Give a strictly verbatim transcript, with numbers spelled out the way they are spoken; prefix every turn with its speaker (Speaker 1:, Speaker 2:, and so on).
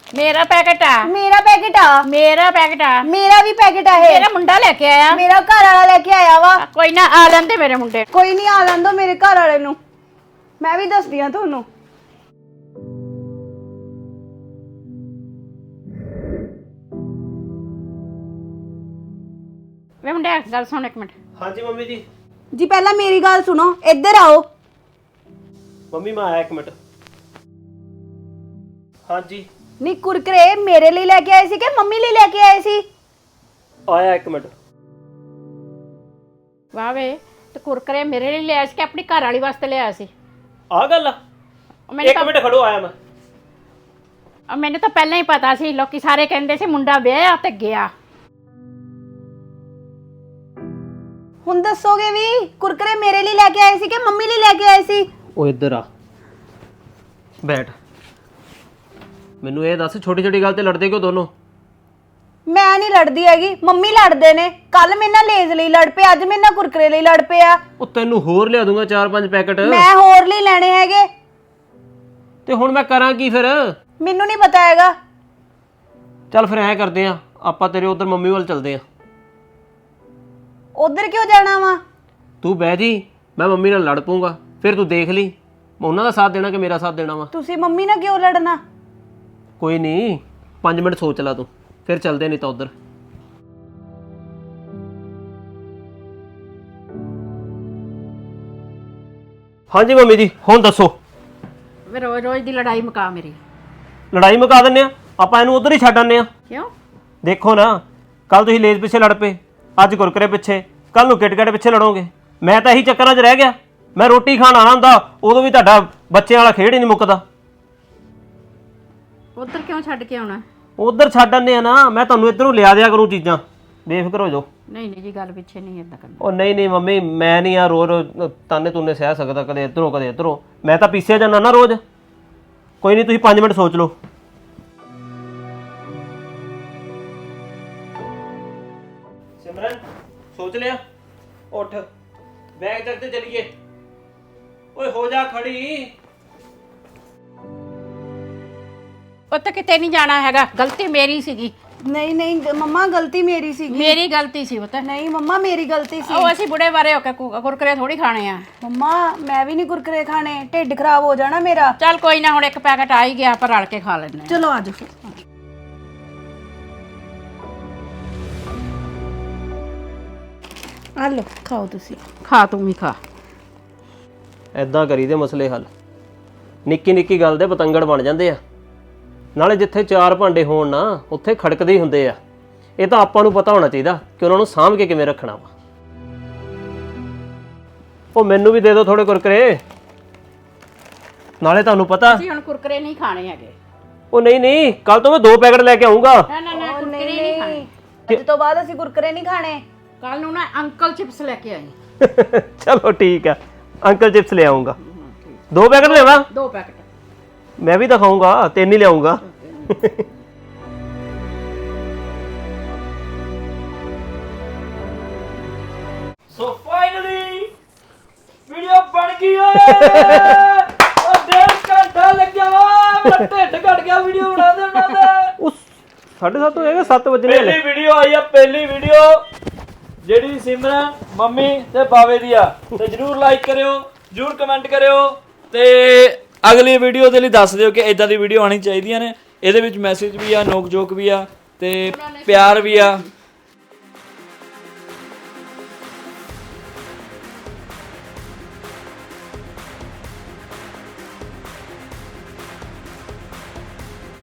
Speaker 1: मेरा पैकेट आ
Speaker 2: मेरा पैकेट आ
Speaker 1: मेरा पैकेट आ
Speaker 2: मेरा भी पैकेट है
Speaker 1: मेरा मुंडा लेके आया
Speaker 2: मेरा घर वाला लेके आया वा
Speaker 1: कोई ना आ लेंदे मेरे मुंडे
Speaker 2: कोई नहीं आ लैन दो मेरे घर वाले नू मैं भी दसदी हां ਤੁਹਾਨੂੰ
Speaker 1: वे मुंडे गल सुन एक मिनट।
Speaker 3: हाँ जी मम्मी जी।
Speaker 2: जी पहला मेरी गल सुनो इधर आओ
Speaker 3: मम्मी मैं आया एक मिनट। हाँ जी
Speaker 2: नी कुरकुरे मेरे लिए लेके आए सी कि मम्मी लिए लेके आए सी
Speaker 3: आया एक मिनट।
Speaker 1: वाह वे ते कुरकुरे मेरे लिए ले आया सी कि अपनी घर वाली वास्ते ले आया सी
Speaker 3: आ गल आ?
Speaker 1: मैंने
Speaker 3: एक मिनट खड़ो आया मैं।
Speaker 1: तो मैंने तो पहले ही पता सी लोकी सारे कहंदे सी मुंडा विआह ते गया
Speaker 2: ਹੁਣ ਦੱਸੋਗੇ ਵੀ ਕੁਰਕਰੇ ਮੇਰੇ ਲਈ ਲੈ ਕੇ ਆਏ ਸੀ ਕਿ ਮੰਮੀ ਲਈ ਲੈ ਕੇ ਆਏ ਸੀ
Speaker 3: ਉਹ ਇੱਧਰ ਆ ਬੈਠ। ਮੈਨੂੰ ਇਹ ਦੱਸ ਛੋਟੀ ਛੋਟੀ ਗੱਲ ਤੇ ਲੜਦੇ ਕਿਉਂ ਦੋਨੋਂ?
Speaker 2: ਮੈਂ ਨਹੀਂ ਲੜਦੀ ਹੈਗੀ ਮੰਮੀ ਲੜਦੇ ਨੇ ਕੱਲ ਮੇਰੇ ਨਾਲ ਲੇਜ਼ ਲਈ ਲੜ ਪਏ ਅੱਜ ਮੇਰੇ ਨਾਲ ਕੁਰਕਰੇ ਲਈ ਲੜ ਪਏ ਆ
Speaker 3: ਉਹ ਤੈਨੂੰ ਹੋਰ ਲਿਆ ਦੂੰਗਾ ਚਾਰ ਪੰਜ ਪੈਕਟ।
Speaker 2: ਮੈਂ ਹੋਰ ਲਈ ਲੈਣੇ ਹੈਗੇ
Speaker 3: ਤੇ ਹੁਣ ਮੈਂ ਕਰਾਂ ਕੀ ਫਿਰ?
Speaker 2: ਮੈਨੂੰ ਨਹੀਂ ਪਤਾ ਹੈਗਾ
Speaker 3: ਚੱਲ ਫਿਰ ਐਂ ਕਰਦੇ ਆ ਆਪਾਂ ਤੇਰੇ ਉਧਰ ਮੰਮੀ ਵੱਲ ਚੱਲਦੇ ਆ।
Speaker 2: ਉਧਰ ਕਿਉਂ ਜਾਣਾ ਵਾ
Speaker 3: ਤੂੰ ਬਹਿ ਜੀ ਮੈਂ ਮੰਮੀ ਨਾਲ ਲੜ ਪਊਂਗਾ ਫਿਰ ਤੂੰ ਦੇਖ ਲਈ ਮੈਂ ਉਹਨਾਂ ਦਾ ਸਾਥ ਦੇਣਾ ਕਿ ਮੇਰਾ ਸਾਥ ਦੇਣਾ ਵਾ।
Speaker 2: ਤੁਸੀਂ ਮੰਮੀ ਨਾਲ ਕਿਉਂ ਲੜਨਾ
Speaker 3: ਕੋਈ ਨਹੀਂ ਪੰਜ ਮਿੰਟ ਸੋਚ ਲਾ ਤੂੰ ਫਿਰ ਚੱਲਦੇ ਨਹੀਂ ਤਾਂ ਉਧਰ। ਹਾਂਜੀ ਮੰਮੀ ਜੀ ਹੁਣ ਦੱਸੋ।
Speaker 1: वे रोज रोज दी लड़ाई मुका मेरी
Speaker 3: ਲੜਾਈ ਮੁਕਾ ਦਿੰਨੇ ਆ ਆਪਾਂ ਇਹਨੂੰ ਉਧਰ ਹੀ ਛੱਡ ਆਉਂਦੇ ਆ।
Speaker 1: क्यों
Speaker 3: ਦੇਖੋ ਨਾ ਕੱਲ ਤੁਸੀਂ ਲੇਜ਼ ਪਿੱਛੇ ਲੜ ਪਏ ਅੱਜ ਕੁਰਕਰੇ ਪਿੱਛੇ ਕੱਲ ਨੂੰ ਕਿਟਕਟ ਪਿੱਛੇ ਲੜੋਗੇ। ਮੈਂ ਤਾਂ ਇਹੀ ਚੱਕਰਾਂ 'ਚ ਰਹਿ ਗਿਆ। ਮੈਂ ਰੋਟੀ ਖਾਣ ਆਣਾ ਹੁੰਦਾ ਉਦੋਂ ਵੀ ਤੁਹਾਡਾ ਬੱਚਿਆਂ ਵਾਲਾ ਖੇਡ ਹੀ ਨਹੀਂ ਮੁੱਕਦਾ।
Speaker 1: उधर क्यों छड़ के आना?
Speaker 3: ਉਧਰ ਛੱਡ ਆਉਂਦੇ ਆ ਨਾ ਮੈਂ ਤੁਹਾਨੂੰ ਇੱਧਰੋਂ ਲਿਆ ਦਿਆ ਕਰੂੰ ਚੀਜ਼ਾਂ ਬੇਫਿਕਰ ਹੋ ਜਾਓ।
Speaker 1: नहीं नहीं जी गल पिछे नहीं इदा करना।
Speaker 3: ਉਹ ਨਹੀਂ ਨਹੀਂ ਮੰਮੀ ਮੈਂ ਨਹੀਂ ਆ ਰੋਜ਼ ਰੋਜ਼ ਤਾਨੇ ਤੁੰਨੇ ਸਹਿ ਸਕਦਾ ਕਦੇ ਇੱਧਰੋਂ ਕਦੇ ਇੱਧਰੋਂ। ਮੈਂ ਤਾਂ ਪੀਸਿਆ ਜਾਂਦਾ ਨਾ ਰੋਜ਼। ਕੋਈ ਨਹੀਂ ਤੁਸੀਂ ਪੰਜ ਮਿੰਟ ਸੋਚ ਲਓ। ਸਿਮਰਨ ਸੋਚ ਲਿਆ? ਉੱਠ ਬੈਗ ਚੱਕ ਤੇ ਚਲੀਏ। ਓਏ ਹੋ ਜਾ ਖੜੀ।
Speaker 1: उत्ते किते नहीं जाना हैगा गलती मेरी सीगी
Speaker 2: ਨਹੀਂ ਨਹੀਂ ਮੰਮਾ ਗਲਤੀ ਮੇਰੀ ਸੀਗੀ
Speaker 1: मेरी गलती सी पता
Speaker 2: ਨਹੀਂ ਮੰਮਾ ਮੇਰੀ ਗਲਤੀ ਸੀ
Speaker 1: ਉਹ ਅਸੀਂ ਬੁੜੇ ਬਾਰੇ ਹੋ ਕੇ ਕੁ- ਕੁਰਕਰੇ ਥੋੜੀ ਖਾਣੇ ਆ।
Speaker 2: ਮੰਮਾ ਮੈਂ ਵੀ ਨਹੀਂ ਕੁਰਕਰੇ ਖਾਣੇ ਢਿੱਡ ਖਰਾਬ ਹੋ ਜਾਣਾ ਮੇਰਾ
Speaker 1: ਚੱਲ ਕੋਈ ਨਾ ਹੁਣ ਇੱਕ ਪੈਕਟ ਆ ਹੀ ਗਿਆ ਆਪਾਂ ਰਲ ਕੇ ਖਾ ਲੈਣੇ।
Speaker 2: ਚਲੋ ਆਜੋ ਫਿਰ ਆ ਲੋ ਖਾਓ ਤੁਸੀਂ
Speaker 1: ਖਾ ਤੂੰ ਵੀ ਖਾ।
Speaker 3: ਐਦਾਂ ਕਰੀਦੇ ਮਸਲੇ ਹੱਲ। ਨਿੱਕੀ ਨਿੱਕੀ ਗੱਲ ਦੇ ਪਤੰਗੜ ਬਣ ਜਾਂਦੇ ਆ। ਨਾਲੇ ਜਿੱਥੇ ਚਾਰ ਭਾਂਡੇ ਹੋਣ ਨਾ ਉੱਥੇ ਖੜਕਦੇ ਹੀ ਹੁੰਦੇ ਆ। ਇਹ ਤਾਂ ਆਪਾਂ ਨੂੰ ਪਤਾ ਹੋਣਾ ਚਾਹੀਦਾ ਕਿ ਉਹਨਾਂ ਨੂੰ ਸਾਂਭ ਕੇ ਕਿਵੇਂ ਰੱਖਣਾ ਵਾ। ਉਹ ਮੈਨੂੰ ਵੀ ਦੇ ਦਿਓ ਥੋੜੇ ਕੁਰਕਰੇ। ਨਾਲੇ ਤੁਹਾਨੂੰ ਪਤਾ
Speaker 1: ਅਸੀਂ ਹੁਣ ਕੁਰਕਰੇ ਨਹੀਂ ਖਾਣੇ ਹੈਗੇ।
Speaker 3: ਉਹ ਨਹੀਂ ਨਹੀਂ ਕੱਲ ਤੋਂ ਮੈਂ ਦੋ ਪੈਕਟ ਲੈ ਕੇ ਆਉਂਗਾ।
Speaker 1: ਨਾ ਨਾ ਨਾ ਕੁਰਕਰੇ ਨਹੀਂ ਖਾਣੇ।
Speaker 2: ਅੱਜ ਤੋਂ ਬਾਅਦ ਅਸੀਂ ਕੁਰਕਰੇ ਨਹੀਂ ਖਾਣੇ
Speaker 1: ਕੱਲ ਨੂੰ ਨਾ ਅੰਕਲ ਚਿਪਸ ਲੈ ਕੇ ਆਈ।
Speaker 3: ਚਲੋ ਠੀਕ ਆ ਅੰਕਲ ਚਿਪਸ ਲੈ ਆਉਂਗਾ। ਦੋ ਪੈਕਟ ਲੈਵਾ
Speaker 1: ਦੋ ਪੈਕਟ
Speaker 3: ਮੈਂ ਵੀ ਦਿਖਾਉਂਗਾ ਤਿੰਨ ਹੀ ਲਿਆਉਂਗਾ।
Speaker 4: ਸੋ ਫਾਈਨਲੀ ਵੀਡੀਓ ਬਣ ਗਈ ਓਏ। ਉਹ ਡੇਢ ਘੰਟਾ ਲੱਗਿਆ ਵਾ ਮੇਰਾ ਢਿੱਡ ਘਟ ਗਿਆ ਵੀਡੀਓ ਬਣਾਉਂਦੇ ਬਣਾਉਂਦੇ।
Speaker 3: ਉਸ ਸਾਢੇ ਸੱਤ ਹੋਏਗਾ ਸੱਤ ਵਜੇ
Speaker 4: ਪਹਿਲੀ ਵੀਡੀਓ ਆਈ ਆ ਪਹਿਲੀ ਵੀਡੀਓ ਜਿਹੜੀ ਸਿਮਰਨ ਮੰਮੀ ਤੇ ਬਾਵੇ ਦੀ ਆ ਤੇ ਜਰੂਰ ਲਾਈਕ ਕਰਿਓ ਜਰੂਰ ਕਮੈਂਟ ਕਰਿਓ ਤੇ ਅਗਲੀ ਵੀਡੀਓ ਦੇ ਲਈ ਦੱਸ ਦਿਓ ਕਿ ਇਦਾਂ ਦੀ ਵੀਡੀਓ ਆਣੀ ਚਾਹੀਦੀਆਂ ਨੇ। ਇਹਦੇ ਵਿੱਚ ਮੈਸੇਜ ਵੀ ਆ ਨੋਕ ਜੋਕ ਵੀ ਆ ਤੇ ਪਿਆਰ ਵੀ ਆ